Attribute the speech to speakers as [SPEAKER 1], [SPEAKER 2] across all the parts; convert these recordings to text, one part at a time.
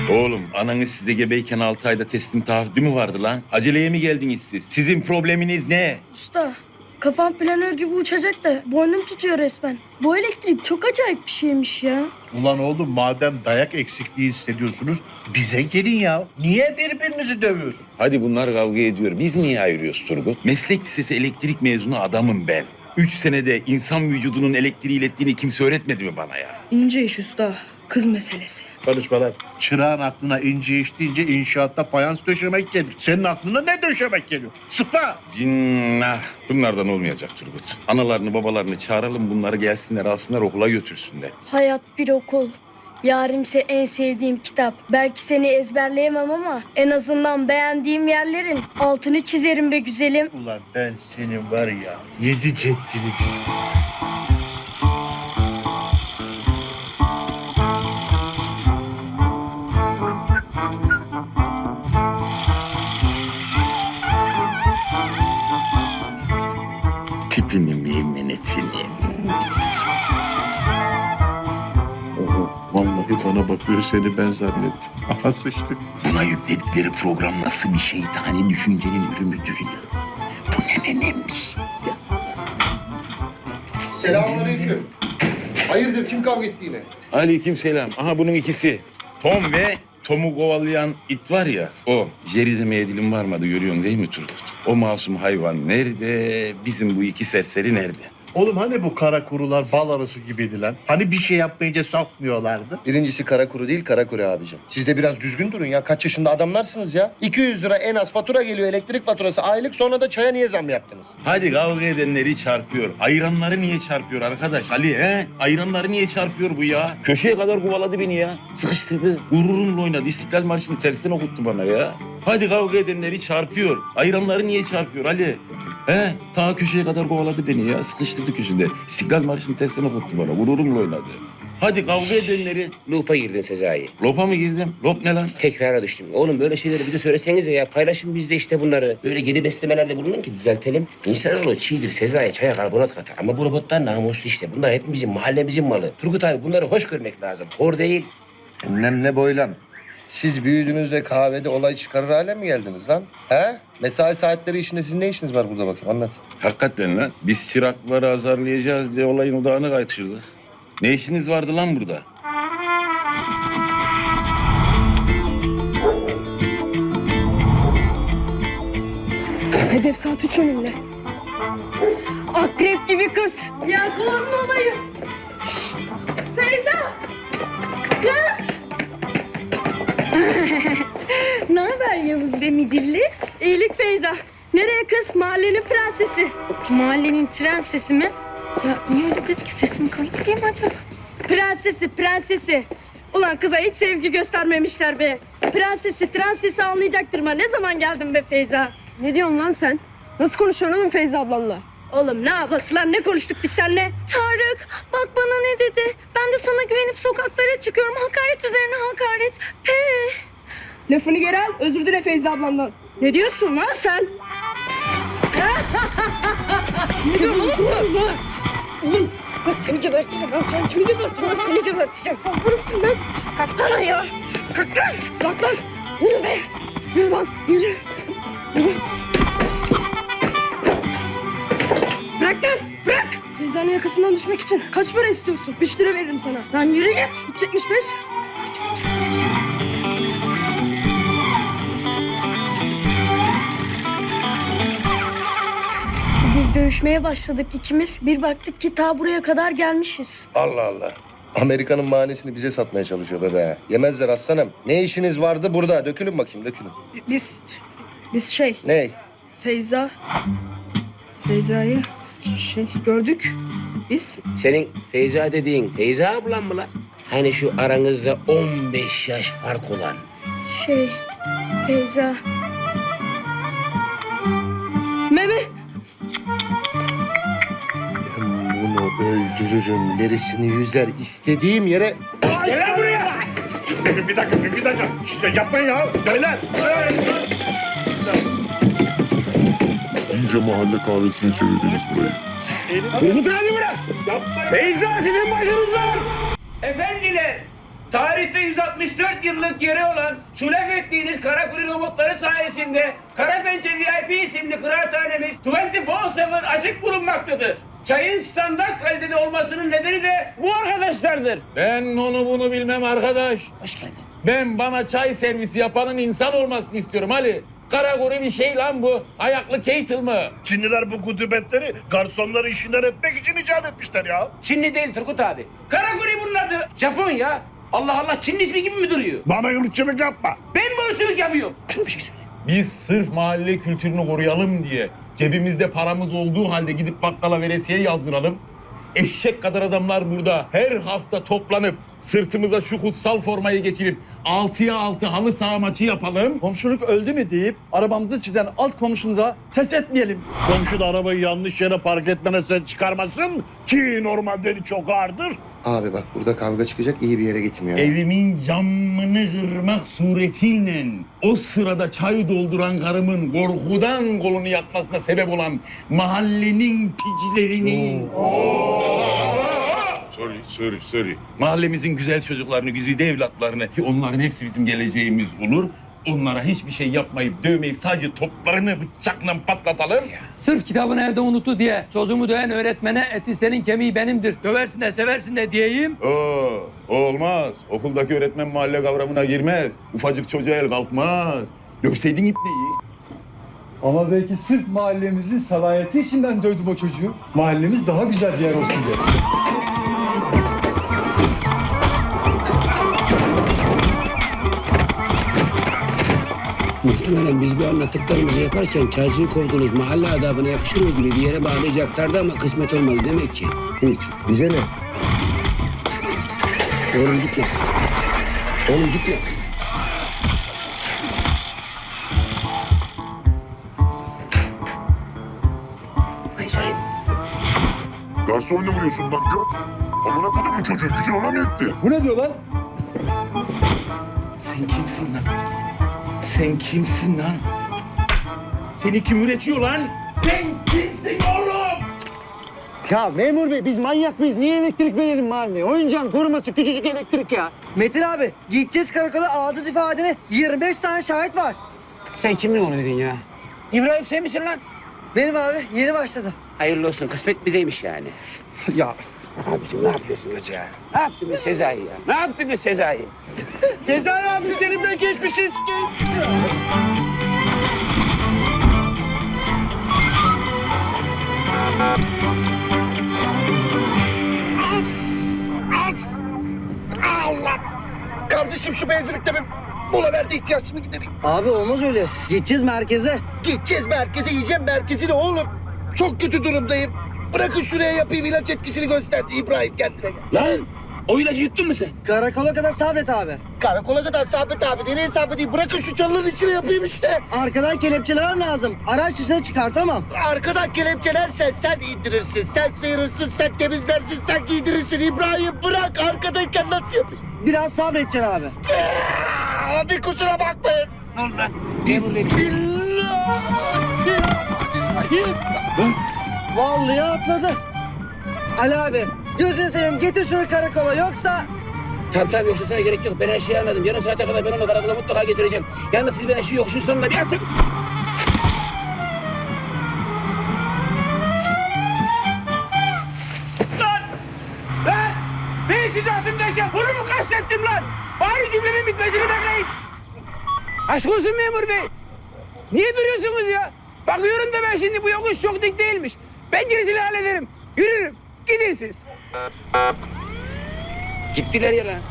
[SPEAKER 1] Oğlum ananız size gebeyken 6 ayda teslim taahhüdü mü vardı lan? Aceleye mi geldiniz siz? Sizin probleminiz ne?
[SPEAKER 2] Usta, kafam planör gibi uçacak da boynum tutuyor resmen. Bu elektrik çok acayip bir şeymiş ya.
[SPEAKER 3] Ulan oğlum madem dayak eksikliği hissediyorsunuz bize gelin ya. Niye birbirinizi dövüyorsun?
[SPEAKER 1] Hadi bunlar kavga ediyor. Biz niye ayırıyoruz Turgut? Meslek lisesi elektrik mezunu adamım ben. 3 senede insan vücudunun elektriği ilettiğini kimse öğretmedi mi bana ya?
[SPEAKER 2] İnce iş usta, kız meselesi.
[SPEAKER 3] Konuşma lan. Çırağın aklına ince iş deyince inşaatta fayans döşemek gelir. Senin aklına ne döşemek geliyor? Sıpa!
[SPEAKER 1] Cinnah. Bunlardan olmayacak Turgut. Analarını babalarını çağıralım, bunları gelsinler alsınlar okula götürsünler.
[SPEAKER 2] Hayat bir okul. Yarimse en sevdiğim kitap. Belki seni ezberleyemem ama en azından beğendiğim yerlerin altını çizerim be güzelim.
[SPEAKER 3] Ulan ben senin var ya 7 ceddini.
[SPEAKER 1] Tipini meymenetini.
[SPEAKER 3] Oho, vallahi bana bakıyor seni ben zannettim. Aha sıçtık.
[SPEAKER 1] Buna yükledikleri program nasıl bir şeytani düşüncenin ürünüdür ya. Bu ne önemli bir şey ya.
[SPEAKER 4] Selamünaleyküm. Hayırdır kim kavga etti yine?
[SPEAKER 1] Aleykümselam. Aha bunun ikisi. Tom ve Tom'u kovalayan it var ya o. Jerry demeye dilim varmadı görüyorsun değil mi Turgut? O masum hayvan nerede? Bizim bu iki serseri nerede?
[SPEAKER 3] Oğlum hani bu kara kurular bal arısı gibiydi lan? Hani bir şey yapmayınca sokmuyorlardı?
[SPEAKER 4] Birincisi kara kuru değil kara kuru abicim. Siz de biraz düzgün durun ya. Kaç yaşında adamlarsınız ya. 200 lira en az fatura geliyor elektrik faturası aylık, sonra da çaya niye zam yaptınız?
[SPEAKER 1] Hadi kavga edenleri çarpıyor. Ayranları niye çarpıyor arkadaş Ali he? Ayranları niye çarpıyor bu ya? Köşeye kadar kovaladı beni ya. Sıkıştırdı. Gururumla oynadı. İstiklal Marşı'nı tersten okuttu bana ya. Hadi kavga edenleri çarpıyor. Ayranları niye çarpıyor Ali? He? Ta köşeye kadar kovaladı beni ya. Sıkıştırdı köşede. İstiklal Marşı'nı tersten okuttu bana. Gururumla oynadı. Hadi kavga edenleri...
[SPEAKER 5] Loop'a girdin Sezai.
[SPEAKER 1] Lopa mı girdim? Lop ne lan?
[SPEAKER 5] Tekrara düştüm. Oğlum böyle şeyleri bize söylesenize ya. Paylaşın biz de işte bunları. Böyle geri beslemelerde bulunun ki düzeltelim. İnsanoğlu çiğdir Sezai. Çaya karbonat katar. Ama bu robotlar namuslu işte. Bunlar hepimizin, mahallemizin malı. Turgut abi bunları hoş görmek lazım. Hor değil.
[SPEAKER 4] Enlem ne boylam. Siz büyüdüğünüzde kahvede olay çıkarır hale mi geldiniz lan? He? Mesai saatleri işinde sizin ne işiniz var burada bakayım anlat.
[SPEAKER 1] Hakikaten lan. Biz çırakları azarlayacağız diye olayın odağını kaçırdık. Ne işiniz vardı lan burada?
[SPEAKER 2] Hedef saat 3 önümde. Akrep gibi kız. Yelkova'nın olayı. Feyza. Kız. Ne haber Yavuz ve Midilli? İyilik Feyza. Nereye kız? Mahallenin prensesi.
[SPEAKER 6] Mahallenin tren sesi mi? Ya niye öyle dedik? Sesim komik değil mi acaba?
[SPEAKER 2] Prensesi, prensesi. Ulan kıza hiç sevgi göstermemişler be. Prensesi, trensesi anlayacaktır mı? Ne zaman geldin be Feyza?
[SPEAKER 6] Ne diyorsun lan sen? Nasıl konuşuyorsun oğlum Feyza ablanla?
[SPEAKER 2] Oğlum ne yapası lan? Ne konuştuk biz seninle?
[SPEAKER 6] Tarık bak bana ne dedi? Ben de sana güvenip sokaklara çıkıyorum. Hakaret üzerine hakaret.
[SPEAKER 7] Lafını geri al, özür dile Feyza ablandan.
[SPEAKER 2] Ne diyorsun lan sen?
[SPEAKER 6] Ne diyorsun oğlum sen?
[SPEAKER 2] Oğlum bak seni geberteceğim lan. Sen kimi geberteceksin lan? Seni geberteceğim. Vurursun lan. Kalk lan ayağa. Kalk lan. Kalk lan. Yürü be. Yürü lan. Yürü. Yürü. Bırak lan. Bırak.
[SPEAKER 7] Feyza'nın yakasından düşmek için kaç para istiyorsun? 3 lira veririm sana.
[SPEAKER 2] Lan yürü git.
[SPEAKER 7] 3.75.
[SPEAKER 2] Biz dövüşmeye başladık ikimiz. Bir baktık ki ta buraya kadar gelmişiz.
[SPEAKER 4] Allah Allah. Amerika'nın mahanesini bize satmaya çalışıyor bebe. Yemezler aslanım. Ne işiniz vardı burada? Dökülün bakayım dökülün.
[SPEAKER 7] Biz şey,
[SPEAKER 4] Ne?
[SPEAKER 7] Feyza'yı gördük. Biz
[SPEAKER 5] Senin Feyza dediğin Feyza ablan mı lan? Hani şu aranızda 15 yaş fark olan.
[SPEAKER 2] Feyza. Meme.
[SPEAKER 4] Ben bunu öldürürüm. Derisini yüzer. İstediğim yere...
[SPEAKER 3] Gel buraya! Bir dakika. Yapmayın ya. Beyler.
[SPEAKER 8] İyice mahalle kahvesine çevirdiniz burayı.
[SPEAKER 3] Turgut abi bırak. Feyza sizin başınızda.
[SPEAKER 9] Efendiler,
[SPEAKER 5] tarihte 164 yıllık yeri olan şu laf ettiğiniz Karakuri robotları sayesinde Karapençe VIP isimli kıraathanemiz 24/7 açık bulunmaktadır. Çayın standart kalitede olmasının nedeni de bu arkadaşlardır.
[SPEAKER 1] Ben onu bunu bilmem arkadaş.
[SPEAKER 5] Hoş geldin.
[SPEAKER 1] Ben bana çay servisi yapanın insan olmasını istiyorum Ali. Karagori bir şey lan bu. Ayaklı Keitel mı?
[SPEAKER 3] Çinliler bu gudubetleri garsonları işinden etmek için icat etmişler ya.
[SPEAKER 5] Çinli değil Turgut abi. Karakuri bunun adı. Japon ya. Allah Allah, Çinli ismi gibi mi duruyor?
[SPEAKER 3] Bana yurtçılık yapma.
[SPEAKER 5] Ben bu ırkçılık yapıyorum. Şunu bir şey söyle.
[SPEAKER 1] Biz sırf mahalle kültürünü koruyalım diye cebimizde paramız olduğu halde gidip bakkala veresiye yazdıralım. Eşek kadar adamlar burada her hafta toplanıp sırtımıza şu kutsal formayı geçirip 6'ya 6 halı saha maçı yapalım.
[SPEAKER 9] Komşuluk öldü mü deyip arabamızı çizen alt komşumuza ses etmeyelim.
[SPEAKER 3] Komşu da arabayı yanlış yere park etmene sen çıkarmasın ki normalde çok ağırdır.
[SPEAKER 4] Abi bak burada kavga çıkacak, iyi bir yere gitmiyor.
[SPEAKER 1] Evimin camını kırmak suretiyle o sırada çay dolduran karımın korkudan kolunu yakmasına sebep olan mahallenin picilerini... Sorry. Mahallemizin güzel çocuklarını, güzide evlatlarını, ki onların hepsi bizim geleceğimiz olur. Onlara hiçbir şey yapmayıp, dövmeyip sadece toplarını bıçakla patlatalım.
[SPEAKER 10] Sırf kitabını evde unuttu diye çocuğumu döven öğretmene eti senin kemiği benimdir. Döversin de seversin de diyeyim.
[SPEAKER 1] Olmaz. Okuldaki öğretmen mahalle kavramına girmez. Ufacık çocuğa el kalkmaz. Dövseydin ipneyi.
[SPEAKER 9] Ama belki sırf mahallemizin salayeti için ben dövdüm o çocuğu. Mahallemiz daha güzel bir yer olsun diye.
[SPEAKER 5] Muhtemelen biz bu anlattıklarımızı yaparken çaycıyı kovduğunuz mahalle adabına yapışır ödülü bir yere bağlayacaklardı ama kısmet olmadı demek ki.
[SPEAKER 4] Hiç. Bize ne?
[SPEAKER 5] Oğlum gitme. Oğlum gitme. Ay sayın.
[SPEAKER 8] Garson ne vuruyorsun lan göt? Amına kodumun çocuğu gücün ona mı yetti?
[SPEAKER 9] Bu ne diyor lan?
[SPEAKER 1] Sen kimsin lan? Sen kimsin lan? Seni kim üretiyor lan? Sen kimsin oğlum?
[SPEAKER 11] Ya memur bey biz manyak mıyız? Niye elektrik verelim mahalleye? Oyuncağın koruması küçücük elektrik ya.
[SPEAKER 7] Metin abi gideceğiz karakola alacağız ifadeni. 25 tane şahit var.
[SPEAKER 5] Sen kimin oğlu dedin ya? İbrahim sen misin lan?
[SPEAKER 7] Benim abi yeni başladım.
[SPEAKER 5] Hayırlı olsun, kısmet bizeymiş yani.
[SPEAKER 11] Ya
[SPEAKER 5] Abiciğim ne yapıyorsunuz ya? Ne yaptınız Sezai ya? Ne yaptınız Sezai?
[SPEAKER 11] Sezai abi seninle geçmişiz.
[SPEAKER 4] Allah! Kardeşim şu benzinlikte bir mola verdi, ihtiyaçımı gidereyim.
[SPEAKER 7] Abi olmaz öyle. Gideceğiz merkeze.
[SPEAKER 4] Gideceğiz merkeze, yiyeceğim merkezini oğlum. Çok kötü durumdayım. Bırakın şuraya yapayım, ilaç etkisini gösterdi İbrahim, kendine gel.
[SPEAKER 5] Lan o ilacı yuttun mu sen?
[SPEAKER 7] Karakola kadar sabret abi.
[SPEAKER 4] Karakola kadar Sabit abi, nereye Sabit değil? Bırakın şu çalının içine yapayım işte.
[SPEAKER 7] Arkadan kelepçeler lazım. Araç dışına çıkartamam.
[SPEAKER 4] Arkadan kelepçelersen sen indirirsin, sen sıyırırsın, sen temizlersin, sen giydirirsin. İbrahim bırak, arkadayken nasıl yapayım?
[SPEAKER 7] Biraz sabredeceksin abi.
[SPEAKER 4] Abi kusura bakmayın.
[SPEAKER 5] Dur lan.
[SPEAKER 4] Bismillahirrahmanirrahim.
[SPEAKER 7] Vallahi atladı. Ali abi gözünü seveyim getir şunu karakola yoksa...
[SPEAKER 5] Tamam yoksa sana gerek yok. Ben her şeyi anladım. Yarım saate kadar ben onu karakola mutlaka getireceğim. Yalnız siz bana şu yokuşun sonunda bir atın. Lan! Lan! Ben sizi atımdayken bunu mu kastettim lan? Bari cümlemin bitmesini bekleyin. Aşk olsun memur bey. Niye duruyorsunuz ya? Bakıyorum da ben şimdi bu yokuş çok dik değilmiş. Ben gerisini hallederim. Yürürüm. Gidin siz. Gittiler ya lan.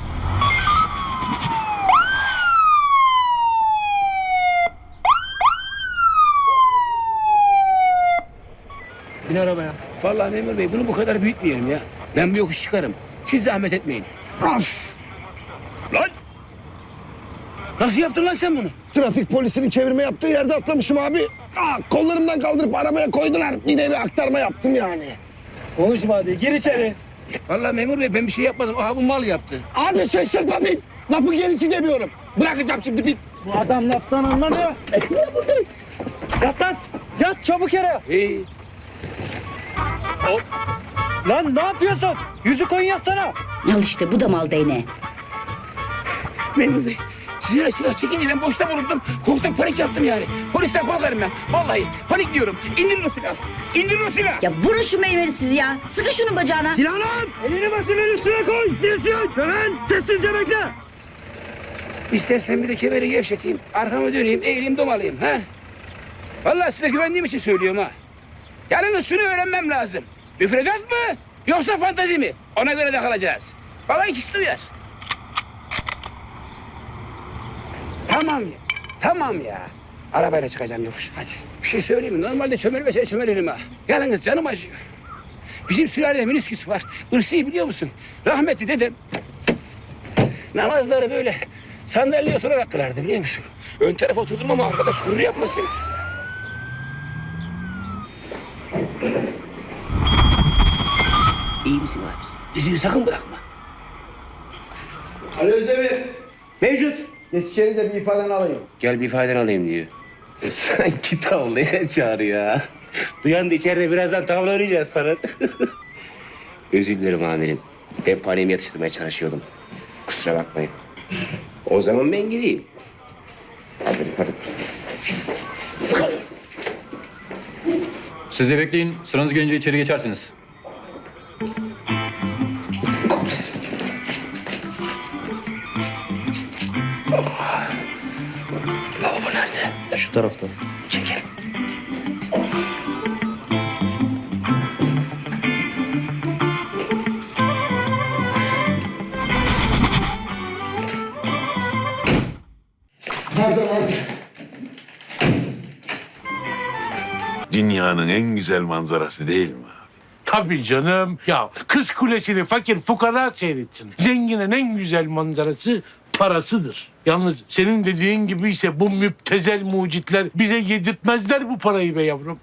[SPEAKER 9] Bin arabaya.
[SPEAKER 5] Vallahi memur bey bunu bu kadar büyütmeyelim ya. Ben bu yokuş çıkarım. Siz zahmet etmeyin.
[SPEAKER 1] Lan!
[SPEAKER 5] Nasıl yaptın lan sen bunu?
[SPEAKER 4] Trafik polisinin çevirme yaptığı yerde atlamışım abi. Kollarımdan kaldırıp arabaya koydular. Bir de bir aktarma yaptım yani.
[SPEAKER 9] Konuşma hadi gir içeri.
[SPEAKER 5] Vallahi memur bey ben bir şey yapmadım. Aha bu mal yaptı.
[SPEAKER 4] Abi şaşırtma bin. Lafı gerisi demiyorum. Bırakacağım şimdi bin.
[SPEAKER 7] Bu adam laftan anlamıyor.
[SPEAKER 9] Yat lan. Yat çabuk yere.
[SPEAKER 5] Hey.
[SPEAKER 9] Lan ne yapıyorsun? Yüzü koyun yatsana.
[SPEAKER 2] Al işte bu da mal değneği.
[SPEAKER 5] Memur Bey, silah çekince ben boşta bulundum. Korktum, panik yaptım yani. Polisten korkarım ben. Vallahi panik diyorum. İndirin o silahı. İndirin o silahı.
[SPEAKER 2] Ya vurun şu meyveli siz ya. Sıkın şunun bacağına.
[SPEAKER 7] Sinan! Elini başının üstüne koy. Dilsiyon. Şölen sessizce bekle.
[SPEAKER 5] İstersen bir de kemeri gevşeteyim. Arkamı döneyim, eğileyim, domalayayım. Ha? Vallahi size güvendiğim için söylüyorum ha. Yalnız şunu öğrenmem lazım. Müfredat mı yoksa fantazi mi? Ona göre de kalacağız. Vallahi ikisi de uyar. Tamam ya. Arabayla çıkacağım yokuş. Hadi. Bir şey söyleyeyim mi? Normalde çömelirim ha. Yalnız canım acıyor. Bizim sülalede minisküs var. Irsi'yi biliyor musun? Rahmetli dedem namazları böyle sandalyeye oturarak kılardı biliyor musun? Ön tarafa oturdum ama arkadaş gurur yapmasın. İyi misin abisi? Yüzüğü sakın bırakma.
[SPEAKER 11] Ali Özdemir.
[SPEAKER 5] Mevcut.
[SPEAKER 11] Geç içeri de bir ifadeni alayım.
[SPEAKER 5] Gel bir ifadeni alayım diyor. Sanki tavlaya çağırıyor ha. Duyan da içeride birazdan tavla oynayacağız sana. Özür dilerim amirim. Ben paniğimi yatıştırmaya çalışıyordum. Kusura bakmayın. O zaman ben gideyim. Hadi. Sıkarım.
[SPEAKER 12] Siz de bekleyin. Sıranız gelince içeri geçersiniz.
[SPEAKER 5] Lavabo nerede?
[SPEAKER 11] Şu tarafta.
[SPEAKER 5] Çekil.
[SPEAKER 1] Dünyanın en güzel manzarası değil mi?
[SPEAKER 3] Tabii canım. Ya Kız Kulesi'ni fakir fukara seyretsin. Zenginin en güzel manzarası parasıdır. Yalnız senin dediğin gibi ise bu müptezel mucitler bize yedirtmezler bu parayı be yavrum.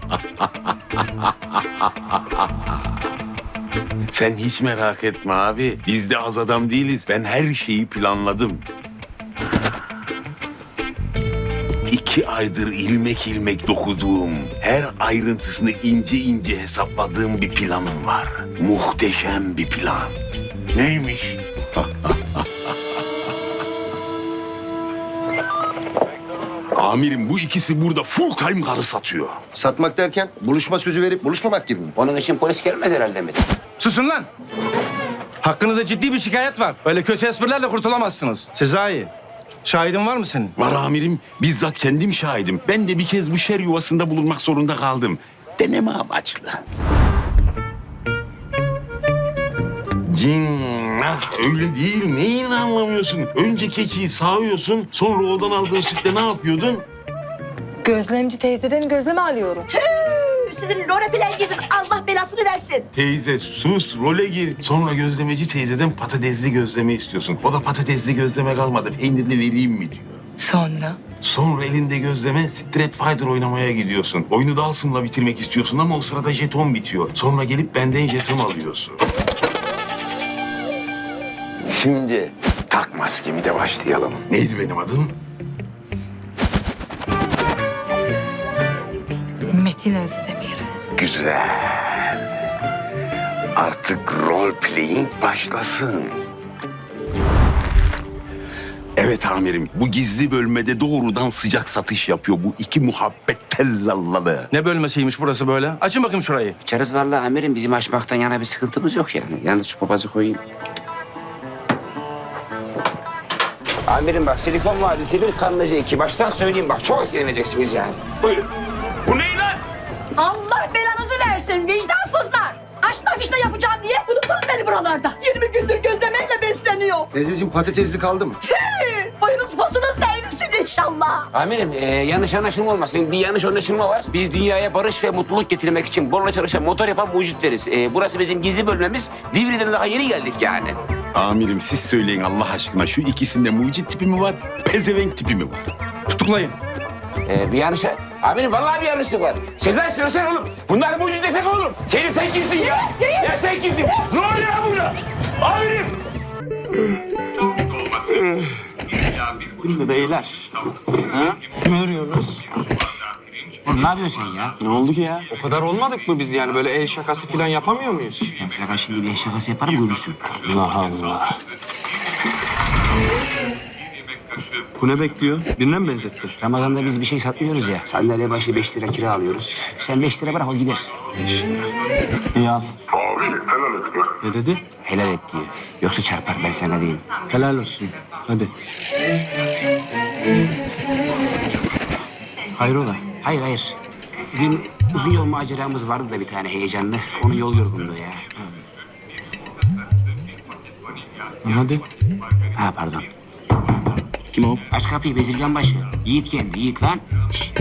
[SPEAKER 1] Sen hiç merak etme abi. Biz de az adam değiliz. Ben her şeyi planladım. 2 aydır ilmek ilmek dokuduğum, her ayrıntısını ince ince hesapladığım bir planım var. Muhteşem bir plan.
[SPEAKER 3] Neymiş?
[SPEAKER 1] Amirim bu ikisi burada full time karı satıyor.
[SPEAKER 4] Satmak derken buluşma sözü verip buluşmamak gibi mi?
[SPEAKER 5] Onun için polis gelmez herhalde mi?
[SPEAKER 7] Susun lan. Hakkınızda ciddi bir şikayet var. Öyle kötü esprilerle kurtulamazsınız. Sezai, şahidin var mı senin?
[SPEAKER 1] Var amirim, bizzat kendim şahidim. Ben de bir kez bu şer yuvasında bulunmak zorunda kaldım. Deneme amaçlı. Cinnah, öyle değil. Neyini anlamıyorsun? Önce keçiyi sağıyorsun, sonra odan aldığın sütle ne yapıyordun?
[SPEAKER 6] Gözlemci teyzeden gözleme alıyorum.
[SPEAKER 2] Sizin Lorapilengiz'in Allah belasını versin.
[SPEAKER 1] Teyze sus, role gir. Sonra gözlemeci teyzeden patatesli gözleme istiyorsun. O da patatesli gözleme kalmadı, peynirli vereyim mi diyor.
[SPEAKER 6] Sonra?
[SPEAKER 1] Sonra elinde gözleme Street Fighter oynamaya gidiyorsun. Oyunu da Asım'la bitirmek istiyorsun ama o sırada jeton bitiyor. Sonra gelip benden jeton alıyorsun. Şimdi tak maskemi de başlayalım. Neydi benim adım?
[SPEAKER 6] Metin Özdemir.
[SPEAKER 1] Güzel. Artık role playing başlasın. Evet amirim, bu gizli bölmede doğrudan sıcak satış yapıyor bu iki muhabbet tellallalı.
[SPEAKER 7] Ne bölmesiymiş burası böyle? Açın bakayım şurayı.
[SPEAKER 5] İçeriz vallahi amirim. Bizim açmaktan yana bir sıkıntımız yok yani. Yalnız şu papazı koyayım. Amirim bak Silikon Vadisi'nin Kanlıca 2. Baştan söyleyeyim bak çok etkileneceksiniz yani. Buyurun. Bu ne lan?
[SPEAKER 2] Allah belanızı versin vicdansızlar. Aşna fişne yapacağım diye unuttunuz beni buralarda. 20 gündür gözlemeyle besleniyor.
[SPEAKER 4] Teyzeciğim patatesli kaldı mı?
[SPEAKER 2] Boyunuz posunuz devrilsin inşallah.
[SPEAKER 5] Amirim yanlış anlaşılma olmasın. Bir yanlış anlaşılma var. Biz dünyaya barış ve mutluluk getirmek için borla çalışan motor yapan mucitleriz. Burası bizim gizli bölmemiz. Divri'den daha yeni geldik yani.
[SPEAKER 1] Amirim siz söyleyin Allah aşkına şu ikisinde mucit tipi mi var, pezevenk tipi mi var?
[SPEAKER 7] Tutuklayın.
[SPEAKER 5] Bir yanlış... Amirim vallahi bir yanlışlık var. Sezai söylesene oğlum. Bunlar mucit desek oğlum. Sen kimsin ya? Ya sen kimsin? Ne oluyor ya burada? Amirim!
[SPEAKER 11] Şimdi beyler. Ha? Kim arıyoruz?
[SPEAKER 5] Oğlum ne yapıyorsun sen ya?
[SPEAKER 11] Ne oldu ki ya? O kadar olmadık mı biz yani? Böyle el şakası falan yapamıyor muyuz?
[SPEAKER 5] Ya sana şimdi bir şakası yaparım görürsün.
[SPEAKER 11] Allah Allah.
[SPEAKER 7] Bu ne bekliyor? Birine mi benzetti?
[SPEAKER 5] Ramazan'da biz bir şey satmıyoruz ya. Sandalye başı 5 lira kira alıyoruz. Sen 5 lira bırak o gider.
[SPEAKER 7] 5 lira. İyi al.
[SPEAKER 8] Abi helal et be.
[SPEAKER 7] Ne dedi?
[SPEAKER 5] Helal et diyor. Yoksa çarpar ben sana diyeyim.
[SPEAKER 7] Helal olsun. Hadi. Hayrola?
[SPEAKER 5] Hayır. Dün uzun yol maceramız vardı da bir tane heyecanlı. Onun yol yorgunluğu ya.
[SPEAKER 7] Hadi.
[SPEAKER 5] Ha pardon.
[SPEAKER 7] Kim o?
[SPEAKER 5] Aç kapıyı bezirgan başı. Yiğit geldi Yiğit lan. Şişt.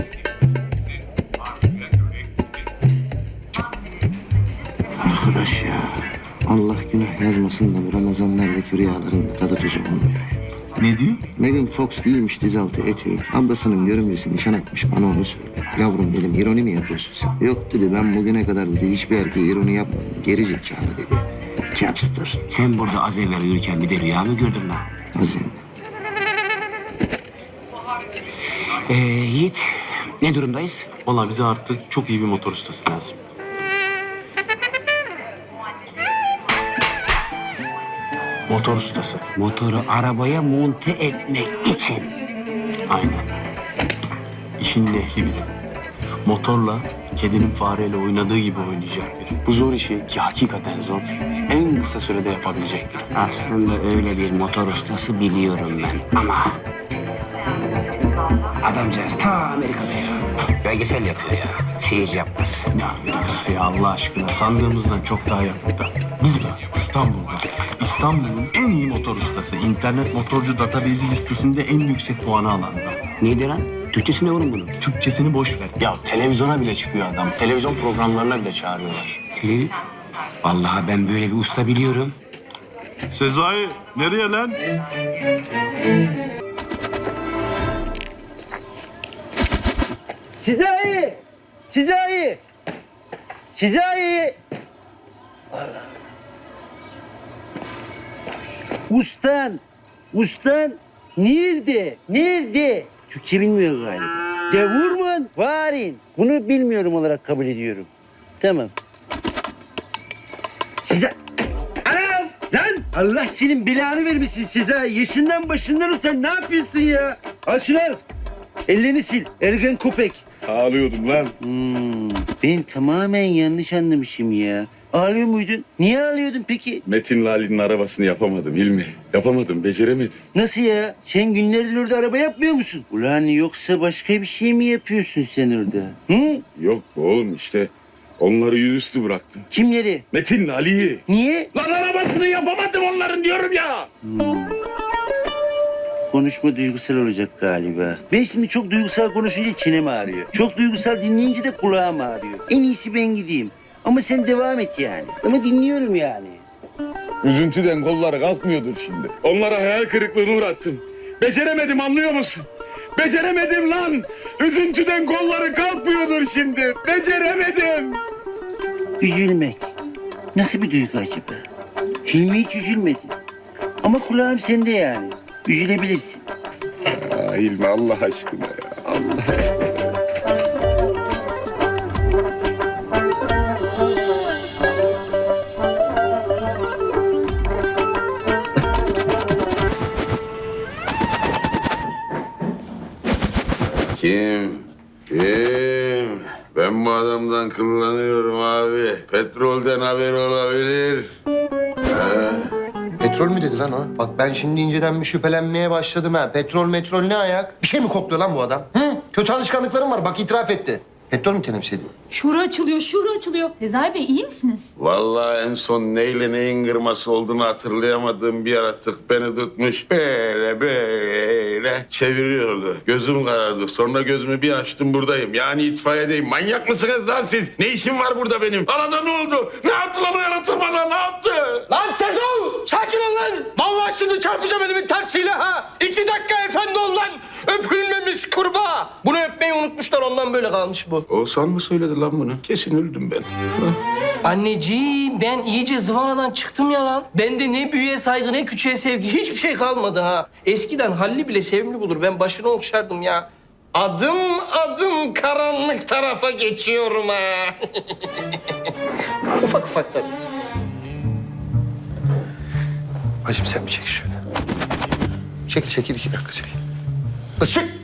[SPEAKER 11] Arkadaş ya. Allah günah yazmasın da bu Ramazanlardaki rüyaların da tadı tuzu olmuyor.
[SPEAKER 7] Ne diyor?
[SPEAKER 11] Megan Fox giymiş dizaltı eteği. Ablasının görümcesi nişan atmış bana onu söyle. Yavrum dedim ironi mi yapıyorsun sen? Yok dedi ben bugüne kadar dedi hiçbir erkeğe ironi yapmadım. Geri zekalı dedi. Capster.
[SPEAKER 5] Sen burada az evvel uyurken bir de rüya mı gördün lan?
[SPEAKER 11] Azim.
[SPEAKER 5] Yiğit ne durumdayız?
[SPEAKER 7] Vallahi bize artık çok iyi bir motor ustası lazım. Motor ustası.
[SPEAKER 5] Motoru arabaya monte etmek için.
[SPEAKER 7] Aynen. İşin ehli biri. Motorla kedinin fareyle oynadığı gibi oynayacak biri. Bu zor işi ki hakikaten zor. En kısa sürede yapabilecek biri.
[SPEAKER 5] Aslında öyle bir motor ustası biliyorum ben ama... Adamcağız ta Amerika'da ya. Belgesel yapıyor ya. Seyirci yapmaz.
[SPEAKER 7] Ya Amerika'sı ya Allah aşkına sandığımızdan çok daha yakında. Burada, İstanbul'da. İstanbul'un en iyi motor ustası. İnternet motorcu database listesinde en yüksek puanı alan adam.
[SPEAKER 5] Neydi lan? Türkçesi ne oğlum bunun?
[SPEAKER 7] Türkçesini boş ver. Ya televizyona bile çıkıyor adam. Televizyon programlarına bile çağırıyorlar.
[SPEAKER 5] Vallahi ben böyle bir usta biliyorum.
[SPEAKER 7] Sezai nereye lan?
[SPEAKER 11] Sezai! Sezai! Sezai! Allah. Ustan nerede? Türkçe bilmiyor galiba. Devurman, varin. Bunu bilmiyorum olarak kabul ediyorum. Tamam. Size... Anam! Lan! Allah senin belanı vermesin Sezai. Yaşından başından utan. Ne yapıyorsun ya? Al şunu al. Ellerini sil. Ergen köpek.
[SPEAKER 1] Ağlıyordum lan.
[SPEAKER 11] Ben tamamen yanlış anlamışım ya. Ağlıyor muydun? Niye ağlıyordun peki?
[SPEAKER 1] Metin Lali'nin arabasını yapamadım Hilmi. Yapamadım, beceremedim.
[SPEAKER 11] Nasıl ya? Sen günlerdir orada araba yapmıyor musun? Ulan yoksa başka bir şey mi yapıyorsun sen orada? Hı?
[SPEAKER 1] Yok be oğlum işte onları yüzüstü bıraktım.
[SPEAKER 11] Kimleri?
[SPEAKER 1] Metin Lali'yi.
[SPEAKER 11] Niye?
[SPEAKER 1] Lan arabasını yapamadım onların diyorum ya.
[SPEAKER 11] Konuşma duygusal olacak galiba. Ben şimdi çok duygusal konuşunca çenem ağrıyor. Çok duygusal dinleyince de kulağım ağrıyor. En iyisi ben gideyim. Ama sen devam et yani. Ama dinliyorum yani.
[SPEAKER 1] Üzüntüden kolları kalkmıyordur şimdi. Onlara hayal kırıklığına uğrattım. Beceremedim anlıyor musun? Beceremedim lan. Üzüntüden kolları kalkmıyordur şimdi. Beceremedim.
[SPEAKER 11] Üzülmek. Nasıl bir duygu acaba? Hilmi hiç üzülmedi. Ama kulağım sende yani. Üzülebilirsin.
[SPEAKER 1] Aa, Hilmi Allah aşkına ya. Allah aşkına. Kim? Ben bu adamdan kullanıyorum abi. Petrolden haber olabilir.
[SPEAKER 4] Petrol mü dedi lan o? Bak ben şimdi inceden bir şüphelenmeye başladım ha. Petrol ne ayak? Bir şey mi kokluyor lan bu adam? Hı? Kötü alışkanlıklarım var bak itiraf etti. Petrol mü temsil ediyor?
[SPEAKER 6] Şura açılıyor. Sezai Bey iyi misiniz?
[SPEAKER 1] Vallahi en son neyle neyin kırması olduğunu hatırlayamadığım bir yaratık beni tutmuş. Böyle çeviriyordu. Gözüm karardı. Sonra gözümü bir açtım buradayım. Yani itfaiyedeyim. Manyak mısınız lan siz? Ne işim var burada benim? Arada ne oldu? Ne yaptı lan o yaratık bana? Ne yaptı?
[SPEAKER 10] Lan Sezon! Sakin ol lan! Vallahi şimdi çarpacağım elimin tersiyle ha! 2 dakika efendi ol lan! Öpülmemiş kurbağa! Bunu öpmeyi unutmuşlar ondan böyle kalmış bu.
[SPEAKER 1] Oğuzhan mı söyledi lan bunu? Kesin öldüm ben.
[SPEAKER 10] Anneciğim ben iyice zıvanadan çıktım ya lan. Bende ne büyüğe saygı ne küçüğe sevgi hiçbir şey kalmadı ha. Eskiden Halil'i bile sevimli bulur. Ben başını okşardım ya. Adım adım karanlık tarafa geçiyorum ha. Ufak ufak tabii.
[SPEAKER 4] Hacım sen bir çek şöyle. Çekil 2 dakika çekil. Kız çık!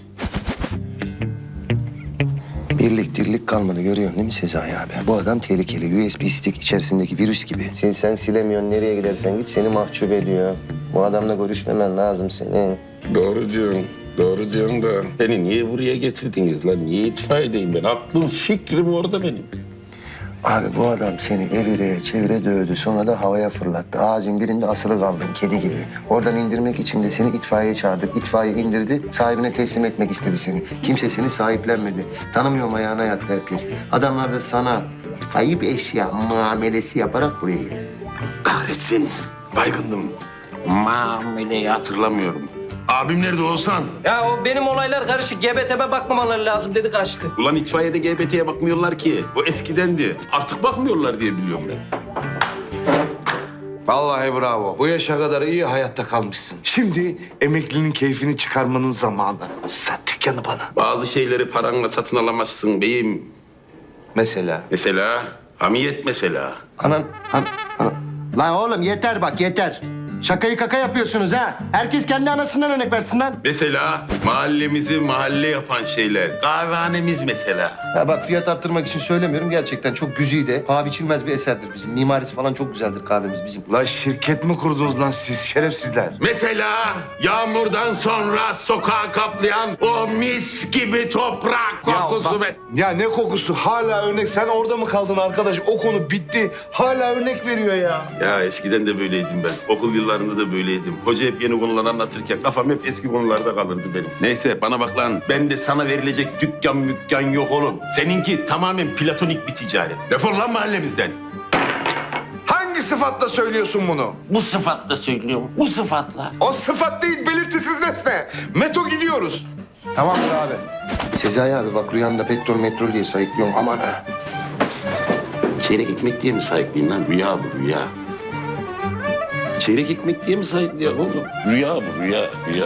[SPEAKER 4] Birlik dirlik kalmadı görüyorsun değil mi Sezai abi? Bu adam tehlikeli. USB stick içerisindeki virüs gibi. Sen silemiyorsun. Nereye gidersen git seni mahcup ediyor. Bu adamla görüşmemen lazım senin.
[SPEAKER 1] Doğru diyorsun. Doğru diyorsun da beni niye buraya getirdiniz lan? Niye itfaiyedeyim ben? Aklım fikrim orada benim.
[SPEAKER 4] Abi bu adam seni evire çevire dövdü. Sonra da havaya fırlattı. Ağacın birinde asılı kaldın kedi gibi. Oradan indirmek için de seni itfaiye çağırdık. İtfaiye indirdi. Sahibine teslim etmek istedi seni. Kimse seni sahiplenmedi. Tanımıyorum ayağına yattı herkes. Adamlar da sana kayıp eşya muamelesi yaparak buraya getirdi.
[SPEAKER 1] Kahretsin. Baygındım. Muameleyi hatırlamıyorum. Abim nerede Oğuzhan?
[SPEAKER 10] Ya o benim olaylar karışık. GBT'me bakmamaları lazım dedi kaçtı.
[SPEAKER 1] Ulan itfaiyede GBT'ye bakmıyorlar ki. O eskidendi. Artık bakmıyorlar diye biliyorum ben.
[SPEAKER 13] Vallahi bravo. Bu yaşa kadar iyi hayatta kalmışsın. Şimdi emeklinin keyfini çıkarmanın zamanı. Sat dükkanı bana.
[SPEAKER 1] Bazı şeyleri paranla satın alamazsın beyim.
[SPEAKER 13] Mesela?
[SPEAKER 1] Mesela hamiyet mesela.
[SPEAKER 4] Anan. Lan oğlum yeter bak yeter. Şakayı kaka yapıyorsunuz ha. Herkes kendi anasından örnek versin lan.
[SPEAKER 1] Mesela mahallemizi mahalle yapan şeyler. Kahvehanemiz mesela.
[SPEAKER 4] Ya bak fiyat arttırmak için söylemiyorum. Gerçekten çok güzide, paha biçilmez bir eserdir bizim. Mimarisi falan çok güzeldir kahvemiz bizim.
[SPEAKER 13] La şirket mi kurdunuz lan siz şerefsizler?
[SPEAKER 1] Mesela yağmurdan sonra sokağı kaplayan o mis gibi toprak kokusu.
[SPEAKER 13] Ya ne kokusu? Hala örnek. Sen orada mı kaldın arkadaş? O konu bitti. Hala örnek veriyor ya.
[SPEAKER 1] Ya eskiden de böyleydim ben. Okul yıllarında da böyleydim. Hoca hep yeni konular anlatırken kafam hep eski konularda kalırdı benim. Neyse bana bak lan. Ben de sana verilecek dükkan yok oğlum. Seninki tamamen platonik bir ticaret. Defol lan mahallemizden.
[SPEAKER 13] Hangi sıfatla söylüyorsun bunu?
[SPEAKER 1] Bu sıfatla söylüyorum. Bu sıfatla.
[SPEAKER 13] O sıfat değil, belirtisiz nesne. Meto gidiyoruz.
[SPEAKER 4] Tamamdır abi. Sezai abi bak rüyanda petrol diye sayıklıyorum. Aman ha.
[SPEAKER 1] Çeyrek ekmek diye mi sayıklayayım lan? Rüya bu rüya. Çeyrek ekmek diye mi sayıklayayım oğlum? Rüya bu rüya.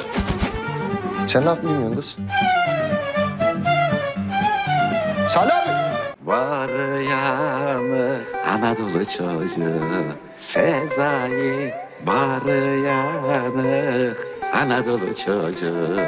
[SPEAKER 4] Sen laf mı dinliyorsun kız? Salih abi.
[SPEAKER 11] Var yanı Anadolu çocuğu Sezai var yanı Anadolu çocuğu